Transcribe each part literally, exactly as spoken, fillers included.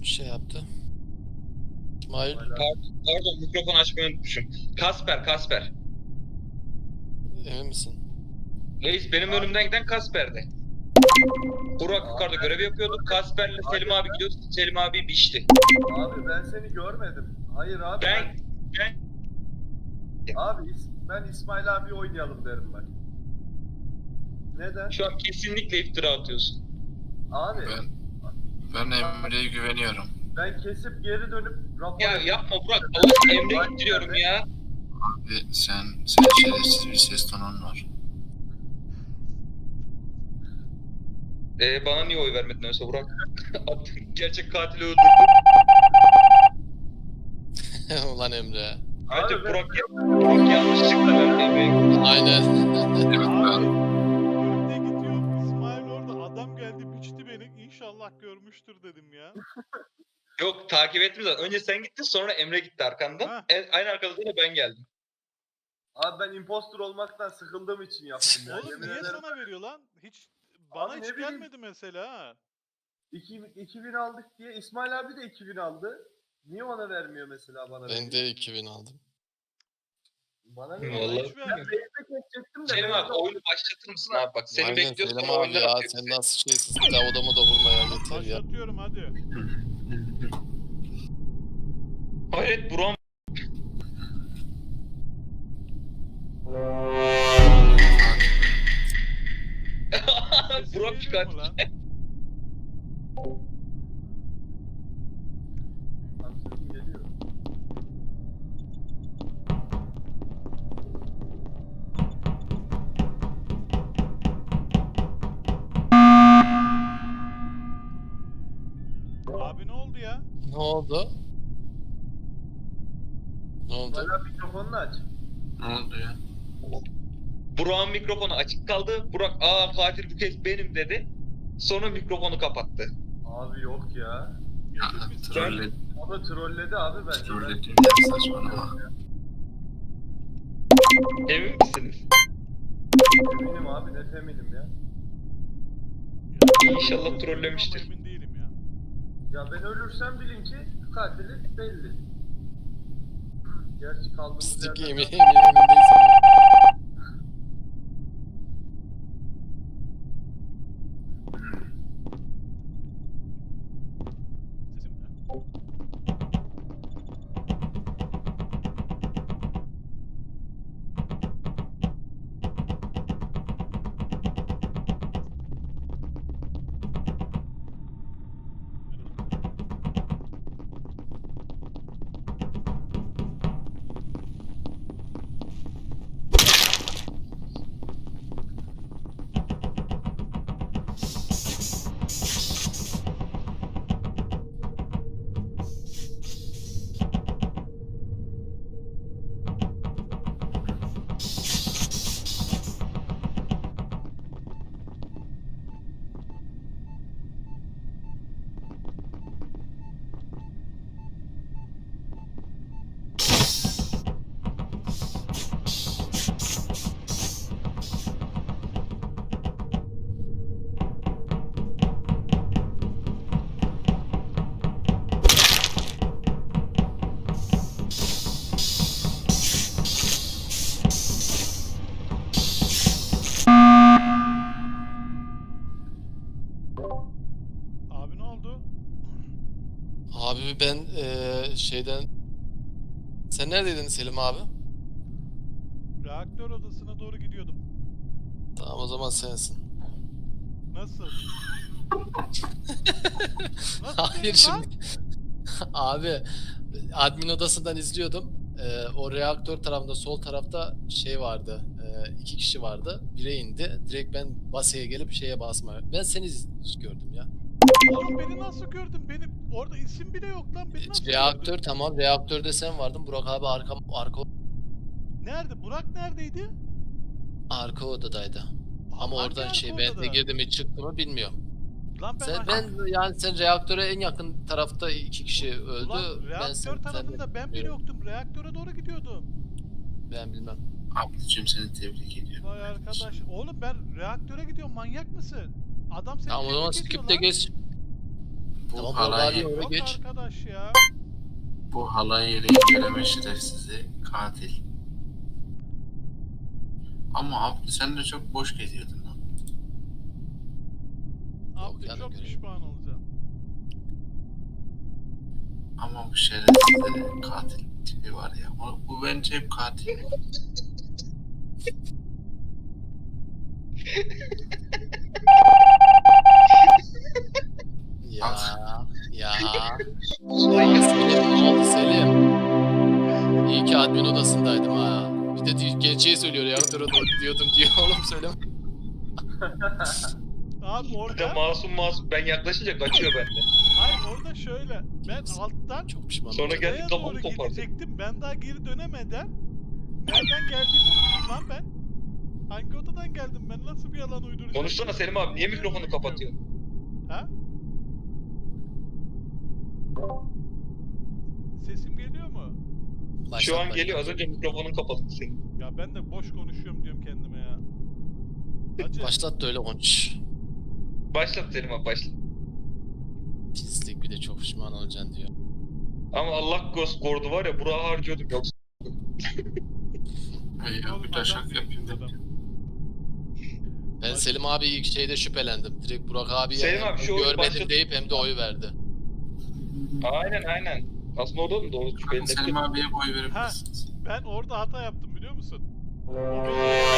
şey yaptı. İsmail. Pardon, pardon mikrofon açmayı unutmuşum. Kasper, Kasper. Emin misin? Reis benim önümden giden Kasper'di. Burak yukarıda görev yapıyordu. Kasper'le Selim abi gidiyordu. Selim abi biçti. Abi ben seni görmedim. Hayır abi. Ben, ben... Abi ben İsmail abi oynayalım derim ben. Neden? Şu an kesinlikle iftira atıyorsun. Abi Ben, ben Emre'ye güveniyorum. ben kesip geri dönüp rapor Ya yapma Burak. Allah Emre gittiriyorum ya. Abi sen, sen şerefsiz bir ses tonun var. Ee, bana niye oy vermedin öyleyse Burak? Gerçek katili öldürdü. Ulan Emre. Bence Abi, Burak, Burak yanlışlıkla verdi Emre'ye. Aynen. Evet ben, Önde gidiyorum. İsmail orada adam geldi biçti beni. İnşallah görmüştür dedim ya. Yok takip ettim zaten. Önce sen gittin sonra Emre gitti arkandan. Ha. En, aynı arkadan da ben geldim. Abi ben impostor olmaktan sıkıldığım için yaptım ya. Oğlum Yemin niye ederim. sana veriyor lan? Hiç bana Abi hiç ne bileyim. gelmedi mesela ha. iki bin aldık diye İsmail abi de iki bin aldı. Niye ona vermiyor mesela bana? Ben de iki bin aldım. Bana Hı, ne? vallahi. Hiç Ben vermedi. base'e geçecektim de. Selim abi base'e- oyunu başlatır mısın abi bak. Seni Aynen bekliyoruz Selim sonra abi oyundan ya. atıyor Sen bizi. nasıl şeysin? Daha odama da vurma ya. Yeter ya. Başlatıyorum hadi. Hayret Burak'ım. Sesim Burak geliyor çıkart. mu lan? Abi sesim geliyor. Abi ne oldu ya? Ne oldu? Ne oldu? İsmail abi mikrofonunu aç. ne oldu ya? Burak'ın mikrofonu açık kaldı. Burak aa katil bu kez benim dedi. Sonra mikrofonu kapattı. Abi yok ya. Emin misin? Trolle, O da trolledi abi bence. Ben- trollediğim yer saçmalama. Emin misiniz? Eminim abi net eminim ya. İnşallah Ama trollemiştir. Emin değilim ya. Ya ben ölürsem bilin ki katili belli. Gerçi kaldığımız Pislik yerden... yemin emin emin değilsin. Sesim ne? Abi ne oldu? Abi ben eee, şeyden... Sen neredeydin Selim abi? Reaktör odasına doğru gidiyordum. Tamam o zaman sensin. Nasıl? Nasıl Hayır dedim şimdi. lan? Abi admin odasından izliyordum. Ee, o reaktör tarafında sol tarafta şey vardı. Ee, iki kişi vardı. Bire indi. Direkt ben basaya gelip şeye basmaya. Ben seni iz- gördüm ya. Oğlum beni nasıl gördün? Benim orada isim bile yok lan. Beni nasıl Reaktör gördün? tamam. Reaktörde sen vardın. Burak abi arka arka Nerede? Burak neredeydi? arka odadaydı. Ama Hangi oradan arka şey ben odada? de girdi mi çıktı mı bilmiyorum. Lan ben, Sen aş- ben yani sen reaktöre en yakın tarafta iki kişi öldü. Ulan ben reaktör sen, tarafında ben bile yoktum. Reaktöre doğru gidiyordum. Ben bilmem. Ablacığım seni tebrik ediyorum. Vay arkadaş. Oğlum ben reaktöre gidiyorum. Manyak mısın? Adam seni Tamam o zaman tebrik ediyor skip de lan. geç. Bu Tamam, halay, Oraya Yok geç. arkadaş ya. bu halay yeri göreme şerefsizi katil. Ama Abdü sen de çok boş geziyordun lan. Abdü yani çok görev. pişman olacağım. Ama bu şerefsizlerin katil tipi var ya. Bu, bu bence hep katil. Ya ya. Ya Selim, ne oldu Selim? İyi ki admin odasındaydım ha. Bir de di- gerçeği söylüyor ya. Dur dur diyordum diyor oğlum söyleme. Abi Bir de orada, masum masum. Ben yaklaşınca kaçıyor bende. hayır orada şöyle. Ben alttan Çok pişman Sonra olacağım. geldi Buraya kafamı doğru kopardı. gidecektim. Ben daha geri dönemeden nereden geldiğimi unuttum lan ben. Hangi odadan geldim ben? Nasıl bir yalan uyduracağım? Konuşsana Selim abi. Niye Oraya mikrofonu doğru kapatıyorsun? gidiyorum. Ha? Sesim geliyor mu? Şu an Başlat, geliyor. Az başlat. önce mikrofonun kapalıydı senin. Ya ben de boş konuşuyorum diyorum kendime ya. Hacı, Başlat da öyle konuş. Başlat Selim abi başlat. Pislik, bir de çok pişman olacaksın diyor. Ama Allah korudu var ya Burak'ı harcıyordum yoksa. Hey ya oğlum bir adam taşak değil yapayım adam. dedim. Ben Selim abi ilk şeyde şüphelendim. Direkt Burak abi Selim abi şu oyunu görmedim başlat- deyip hem de oy verdi. Aynen aynen. Aslında o da mı doğru? Şüpheli Selim abiye boy verebilirsiniz. Ben orada hata yaptım biliyor musun? O beni...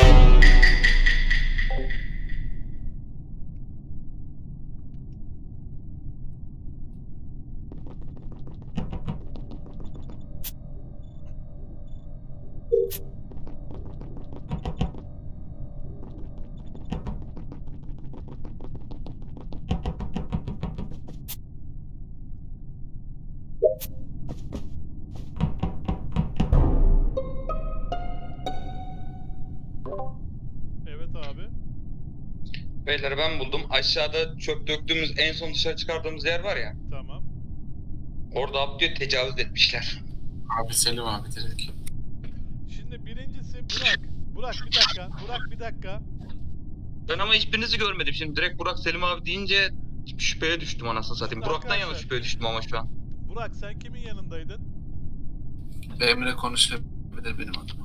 Evet abi. Beyler ben buldum. Aşağıda çöp döktüğümüz en son dışarı çıkardığımız yer var ya. Tamam. Orada Abdü'ye tecavüz etmişler. Abi Selim abi direkt. Şimdi birincisi Burak. Burak bir dakika. Burak bir dakika. Ben ama hiçbirinizi görmedim. Şimdi direkt Burak Selim abi deyince şüpheye düştüm anasını satayım. Şimdi Burak'tan yana arkadaşlar- şüpheye düştüm ama şu an. Burak sen kimin yanındaydın? Emre konuşabilir benim adıma.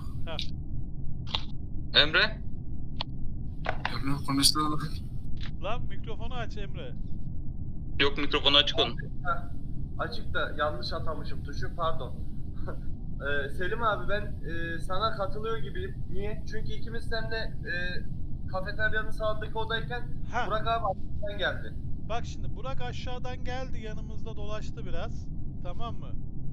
Emre? Emre konuştu. Lan mikrofonu aç Emre. Yok mikrofonu açık onun. Açık da yanlış atamışım tuşu, pardon. Ee, Selim abi ben e, sana katılıyor gibiyim. Niye? Çünkü ikimiz seninle e, kafeteryanın sağındaki odayken Ha. Burak abi arkadan geldi. Bak şimdi Burak aşağıdan geldi yanımızda dolaştı biraz. Tamam mı?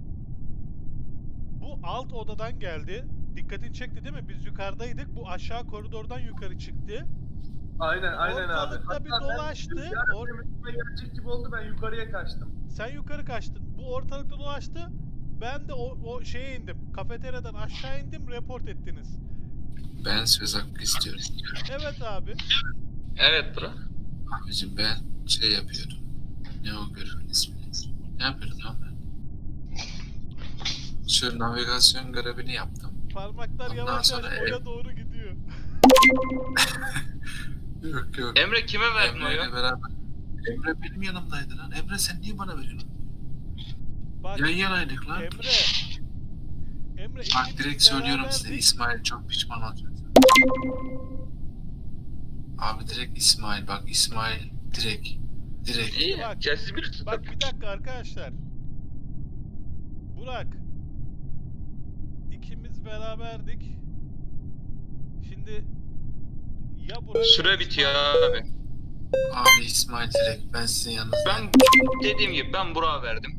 Bu alt odadan geldi. Dikkatini çekti değil mi? Biz yukarıdaydık. Bu aşağı koridordan yukarı çıktı. Aynen aynen abi. Ortalıkta bir Hatta ben dolaştı, rüzgar or- benim üstüme gelecek gibi oldu, ben yukarıya kaçtım. Sen yukarı kaçtın. Bu ortalıkta dolaştı. Ben de o, o şeye indim. Kafeteryadan aşağı indim. Report ettiniz. Ben söz hakkı istiyorum. Evet abi. Evet Burak. Abicim ben şey yapıyordum. Ne o görevin ismi? Ne yapıyordum lan ben? Şu navigasyon görevini yaptım. Parmaklar Ondan yavaş sonra yavaş ev- boya doğru gidiyor. Yok yok. Emre kime verdin Emre ile oyu? beraber. Emre benim yanımdaydı lan. Emre sen niye bana veriyorsun? Bak Yan yanaydık lan. Emre. Emre Bak ikimiz direkt söylüyorum size. beraberdik. İsmail çok pişman olacak. Abi direkt İsmail bak İsmail direkt. Direkt. İyi. Bak. Ya siz bilirsiniz. Bak bir dakika arkadaşlar. Burak. İkimiz beraberdik. Şimdi ya Burak Süre ya bitiyor İsmail- abi. Abi İsmail direkt. Ben sizin yanınızda. Ben dediğim gibi ben Burak'a verdim.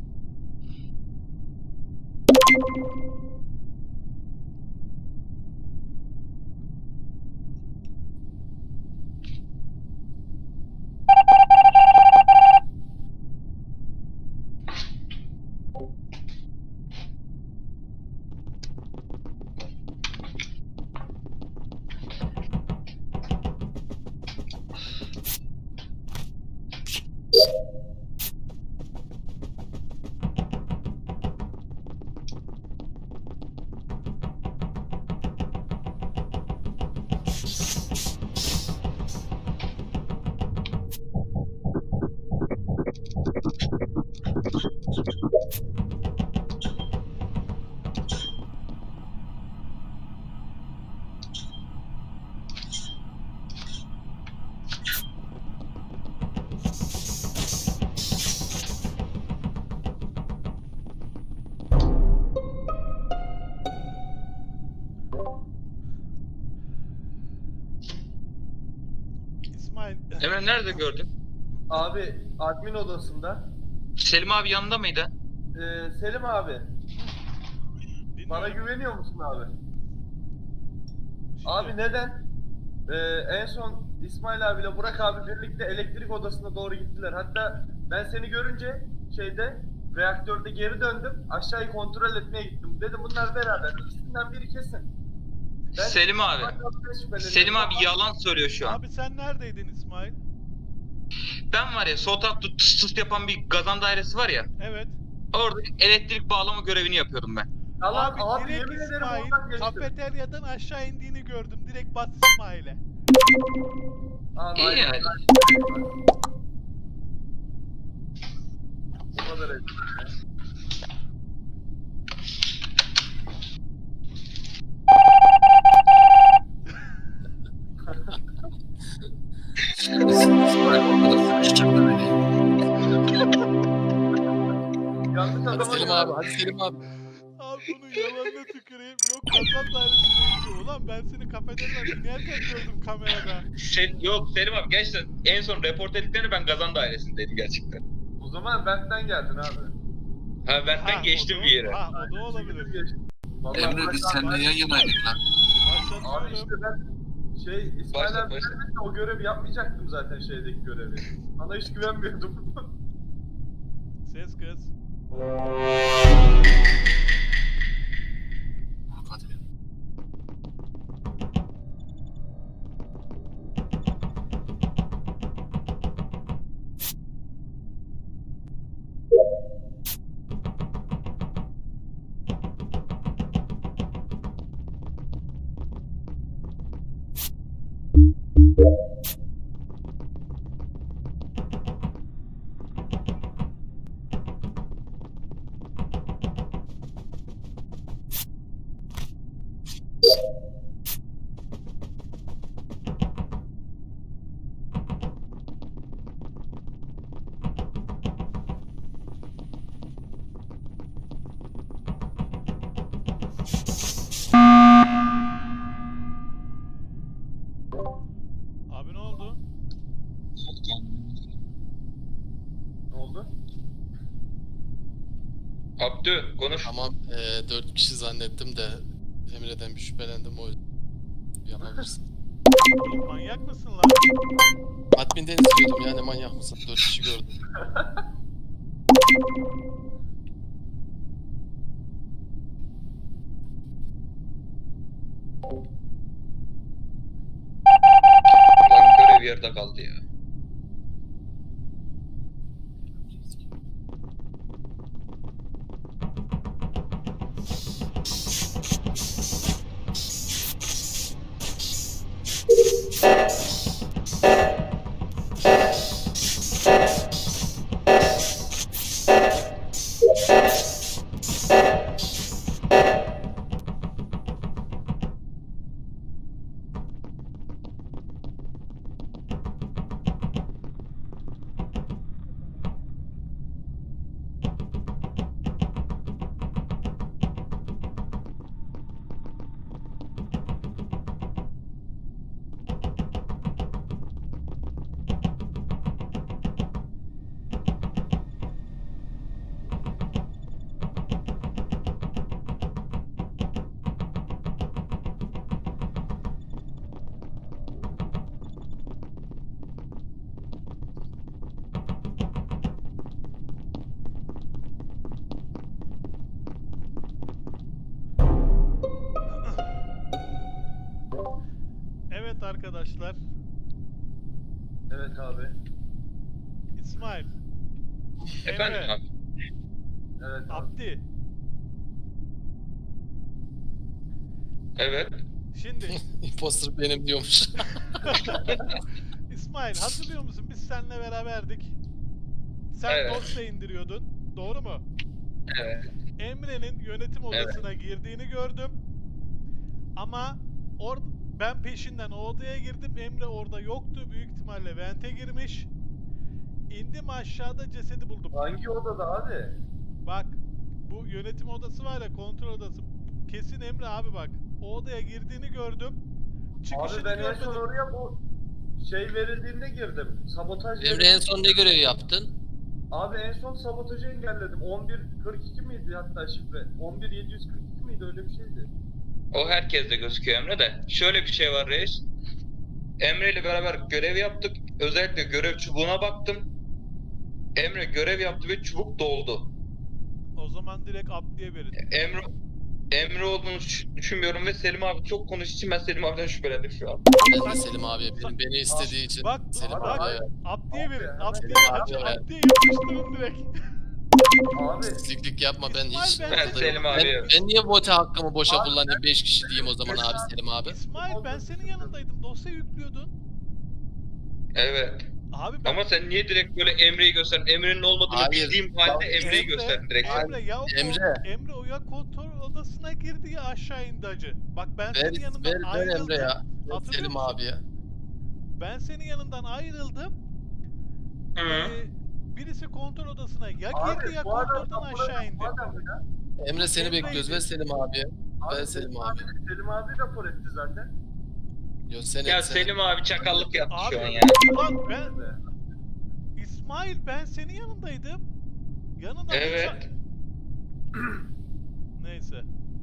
Emre nerede gördün? Abi admin odasında. Selim abi yanında mıydı? Ee, Selim abi, Dinliyorum. bana güveniyor musun abi? Şimdi, Abi neden? Ee, en son İsmail abiyle Burak abi birlikte elektrik odasına doğru gittiler. Hatta ben seni görünce şeyde reaktörde geri döndüm. Aşağıyı kontrol etmeye gittim. Dedim bunlar beraber. İkisinden biri kesin. Ben- Selim abi. Selim abi yalan söylüyor şu an. Abi sen neredeydin İsmail? Ben var ya sol tarafta tıs tıs yapan bir gazan dairesi var ya. Evet. Orada elektrik bağlama görevini yapıyordum ben. Yalan Abi, abi, direkt yemin ederim İsmail oradan geçtim. kafeteryadan aşağı indiğini gördüm. Direkt bas İsmail'e. Abi, İyi aynen. yani. Bu kadar et. İsmail orada sıkıştırdı beni. Yanlış Hadi adama Selim abi, hadi Selim abi. Abi bunun yalanına tüküreyim. Yok kazan dairesinde indi. Ulan ben seni kafeteryadan inerken gördüm kamerada. Sen, yok Selim abi gerçekten en son report ettiklerini ben gazan dairesindeydim gerçekten. O zaman Berk'ten geldin abi. Ha benden Ha, geçtim o da- bir yere. Ha o da olabilir. Geçtim. Vallahi Emre biz Burak abi- seninle yan yanaydık lan. Abi işte Başlatıyorum. ben şey İsmail Başla, abi başla. gelmese o görevi yapmayacaktım zaten şeydeki görevi. Sana hiç güvenmiyordum. Ses kız. Hadi. Abi ne oldu? Ne oldu? Abdü konuş. Tamam, e, dört kişi zannettim de Emre'den bir şüphelendim o yüzden. Yapabilirsin. Oğlum manyak mısın lan? Admin'den izliyordum yani, manyak mısın? Dört kişi gördüm. Lan görev yarıda kaldı ya. Evet arkadaşlar. Evet abi. İsmail. Efendim Emre, abi. Evet abi. Abdi. Evet. Şimdi Imposter benim diyormuş. İsmail hatırlıyor musun? Biz seninle beraberdik. Sen Evet. dosya indiriyordun. Doğru mu? Evet. Emre'nin yönetim Evet. odasına girdiğini gördüm. Ama or ben peşinden o odaya girdim. Emre orada yoktu. Büyük ihtimalle vente girmiş. İndim aşağıda cesedi buldum. Hangi odada abi? Bak bu yönetim odası var ya, kontrol odası. Kesin Emre abi bak. O odaya girdiğini gördüm. Çıkışını Abi ben en görmedim. son oraya bu şey verildiğinde girdim. Sabotaj Emre en verildiğinde- son ne görevi yaptın? Abi en son sabotajı engelledim. on bir kırk iki miydi hatta şifre? on bir yedi yüz kırk iki miydi öyle bir şeydi. O herkeste gözüküyor Emre de. Şöyle bir şey var reis. Emre ile beraber görev yaptık. Özellikle görev çubuğuna baktım. Emre görev yaptı ve çubuk doldu. O zaman direkt Abdi'ye verin. Emre Emre olduğunu düş- düşünmüyorum ve Selim abi çok konuştuğu için ben Selim abiden şüphelendim şu an. Ben de Selim abiye benim beni istediği için Bak, Selim bak. abiye Abdi'ye verin. Abi, Abdi'ye hemen- Abdi'ye hemen- Abdi'ye yapıştırın direkt. Abi pisliklik yapma ben İsmail, hiç ben Ben oradayım. Selim Ben, abiye. ben niye vote hakkımı boşa Abi, kullanayım beş kişi diyeyim o zaman abi Selim abi. İsmail ben senin yanındaydım. Dosya yüklüyordun. Evet. Abi ben... Ama sen niye direkt böyle Emre'yi gösterdin? Emre'nin olmadığını Hayır. bildiğim halde Emre'yi Emre- gösterdin direkt. Emre ya o Emre. Emre. Emre o ya kontrol odasına girdi ya aşağı indi acı. Bak ben Ver, senin yanından ver, ver ayrıldım. Emre ya. Ver Hatırlıyor Selim musun? abiye. Ben senin yanından ayrıldım. Hı. Ee, birisi kontrol odasına ya Abi, girdi ya bu adam kontrolden kapıda- aşağı indi. bu adam ya. Emre seni Emre'ydi. bekliyoruz ver Selim abiye. Abi, Ver Selim abi. Selim abi rapor etti zaten. Yo seni Ya seni. Selim abi çakallık yaptı Abi şu an ya. ulan ben Evet. İsmail ben senin yanındaydım. Yanında Evet. Neyse.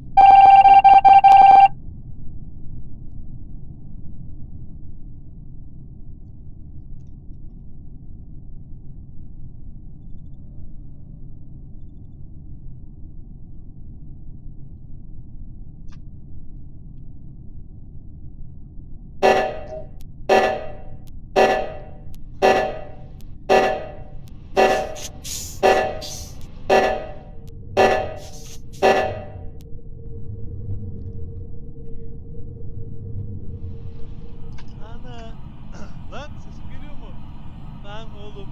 Ana. Lan sesim geliyor mu? Lan oğlum.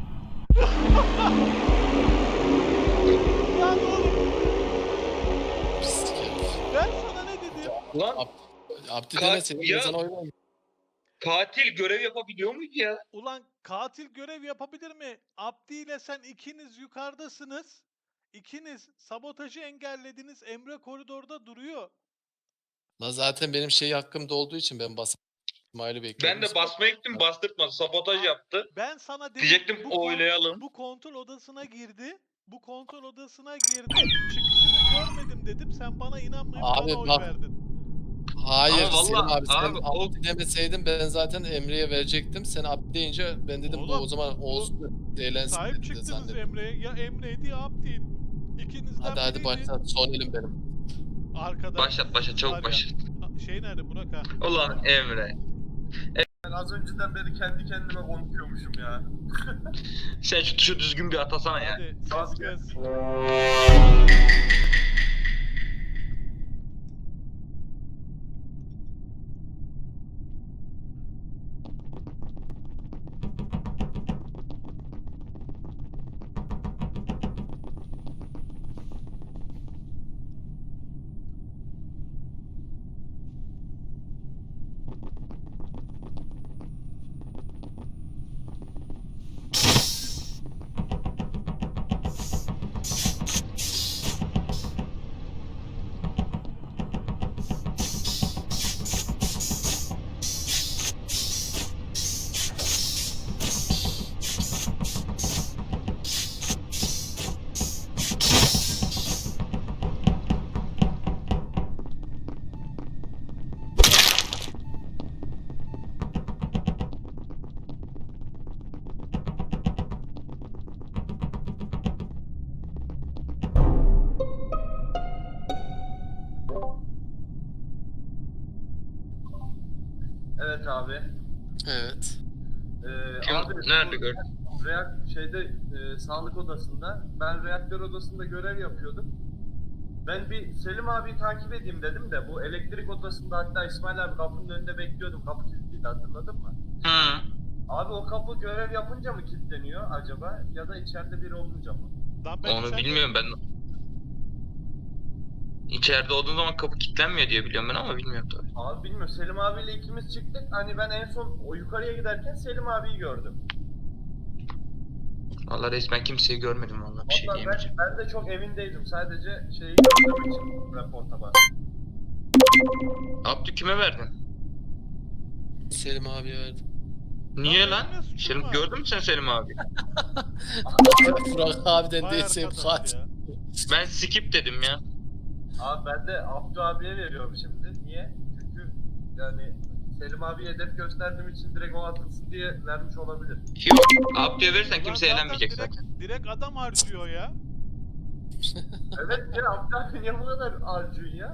Lan oğlum. Pislik herif. Ben sana ne dedim? Lan Abdi Kaç- deme senin ya- ben sana oynayayım. katil görev yapabiliyor muydu ya? Ulan katil görev yapabilir mi? Abdi ile sen ikiniz yukarıdasınız. İkiniz sabotajı engellediniz. Emre koridorda duruyor. La zaten benim şey hakkımda olduğu için ben basıp İsmail'i bekliyorum. Ben de basmaya gittim bastırtmadı. Sabotaj yaptı. Ben sana dedim Diyecektim bu, kon- oylayalım. bu kontrol odasına girdi. Bu kontrol odasına girdi. Çıkışını görmedim dedim. Sen bana inanmayıp Abi bana oy bak- verdin. Hayır Ama Selim vallahi- abi sen abi o- Abdi demeseydin ben zaten Emre'ye verecektim. Sen Abdi deyince ben dedim bu Oğlum, o zaman olsun eğlensin Sahip dedim de çıktınız zannettim. Emre'ye. Ya Emre'ydi ya Abdi'ydi. İkinizden Hadi hadi biriydi. başla son elim benim. Arkada. Başlat başlat var çabuk ya. başlat. Şey nerede Burak ha? Ulan Emre. Ben az önceden beri kendi kendime konuşuyormuşum ya. Sen şu tuşu düzgün bir atasana ya. Hadi ses gelsin. Evet abi. Evet. Ee, Kim- abi, nerede bu gördün? Reak şeyde e, sağlık odasında. Ben reaktör odasında görev yapıyordum. Ben bir Selim abiyi takip edeyim dedim de bu elektrik odasında hatta İsmail abi kapının önünde bekliyordum. Kapı kilitliydi hatırladın mı? Hı. Abi o kapı görev yapınca mı kilitleniyor acaba ya da içeride biri olunca mı? Lan ben Onu içeride- bilmiyorum ben. İçeride olduğun zaman kapı kilitlenmiyor diye biliyorum ben ama bilmiyorum tabii. Abi bilmiyorum Selim abiyle ikimiz çıktık. Hani ben en son o yukarıya giderken Selim abiyi gördüm. Vallahi resmen kimseyi görmedim vallahi bir şey Ondan diyemeyeceğim. ben, ben de çok evindeydim. Sadece şeyi gördüğüm için raporta bastım. Abdü kime verdin? Selim abiye verdim. Niye Lan lan? benim ne suçum Selim var? gördün mü sen Selim abi? Burak abiden Vay değilse arkadaş kaç. ya. Ben skip dedim ya. Abi ben de Abdü abiye veriyorum şimdi. Niye? Çünkü yani Selim abi hedef gösterdiğim için direkt o atılsın diye vermiş olabilir. Yok. Abdü'ye verirsen Ulan kimse zaten eğlenmeyecek direkt, zaten. direkt adam harcıyor ya. Evet ya Abdü abi niye bu kadar harcıyorsun ya?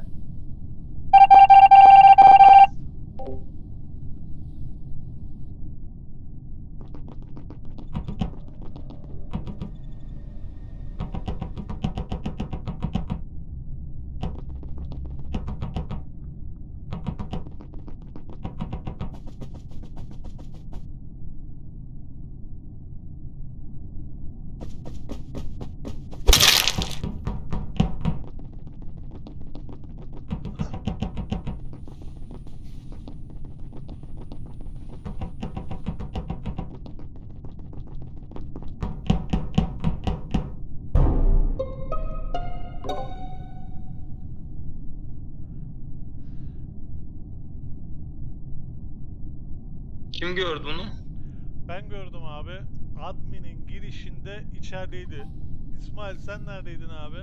Kim gördü bunu? Ben gördüm abi. Admin'in girişinde içerideydi. İsmail sen neredeydin abi?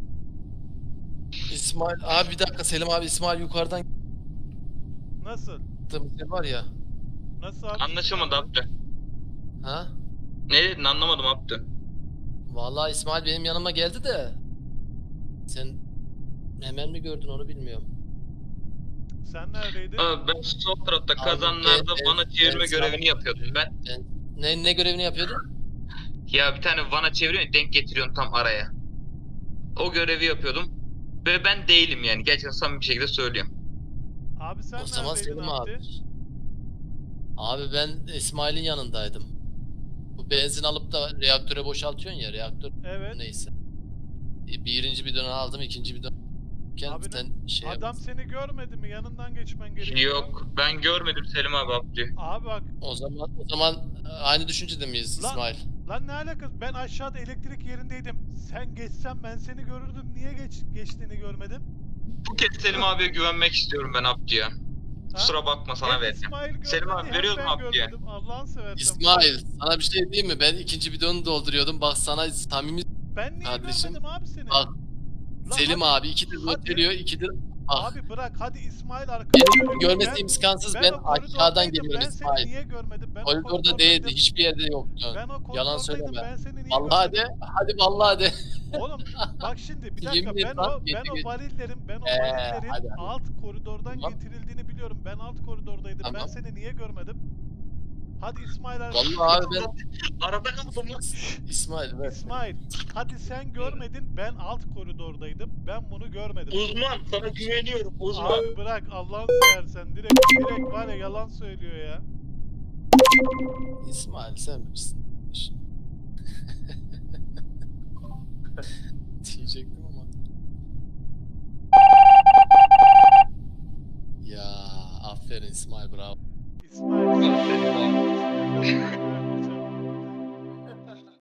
İsmail abi bir dakika Selim abi İsmail yukarıdan Nasıl? gittiğimiz yer var ya. Nasıl abi? Anlaşılmadı Abdü. Ha? Ne dedin anlamadım Abdü. Vallahi İsmail benim yanıma geldi de. Sen hemen mi gördün onu bilmiyorum. Sen neredeydin? Abi ben sol tarafta Abi, kazanlarda ben- vana çevirme ben- görevini yapıyordum ben. Ne ne görevini yapıyordun? Ya bir tane vana çeviriyorsun denk getiriyorsun tam araya. O görevi yapıyordum. Ve ben değilim yani. Gerçekten samimi bir şekilde söylüyorum. Abi sen O zaman neredeydin Selim Abdi? abi. Abi ben İsmail'in yanındaydım. Bu benzin alıp da reaktöre boşaltıyorsun ya reaktör Evet. neyse. E, Birinci bidonu aldım ikinci bidon. Abi ne- Sen şey Adam yap. seni görmedi mi? Yanından geçmen gerekiyor. Yok ben görmedim Selim abi Abdü. Abi bak O zaman o zaman aynı düşüncede miyiz Lan- İsmail? lan ne alakası? Ben aşağıda elektrik yerindeydim. Sen geçsen ben seni görürdüm. Niye geç geçtiğini görmedim? Bu kez Selim abiye güvenmek istiyorum ben Abdü'ye. Ha? Kusura bakma sana Hem vereceğim. İsmail görmedi, Selim abi hem veriyoruz ben mu Abdü'ye? görmedim. Allah'ını seversen. İsmail sana bir şey diyeyim mi? Ben ikinci bidonu dolduruyordum. Bak sana samimi Ben niye Kardeşim, görmedim abi seni? bak, Lan Selim hadi- abi ikidir hadi. gösteriyor ikidir. Bak Abi bırak hadi İsmail arkadaşım. benim görmesi imkansız. Ben, o aşağıdan koridordaydım, geliyorum Ben seni İsmail. niye görmedim? Ben o Koridorda koridordaydım. değildi. Hiçbir yerde yoktu. Ben o koridordaydım. Yalan söyleme. Ben seni niye Vallahi görmedim? de. Hadi vallahi de. Oğlum bak şimdi bir dakika Yemin et ben lan, o ben yemin o et. varillerin ben o Ee, varillerin hadi, hadi. alt koridordan Tamam. getirildiğini biliyorum. Ben alt koridordaydım. Ben Tamam. seni niye görmedim? Hadi İsmail abi. Vallahi abi ben Arada kaldım lan. İsmail ver. İsmail hadi sen görmedin. Ben alt koridordaydım. Ben bunu görmedim. Uzman sana güveniyorum uzman. Abi bırak Allah'ını seversen direkt direkt var ya yalan söylüyor ya. İsmail sen bilirsin. Diyecektim ama. Ya aferin İsmail bravo. İsmail. Selim abi.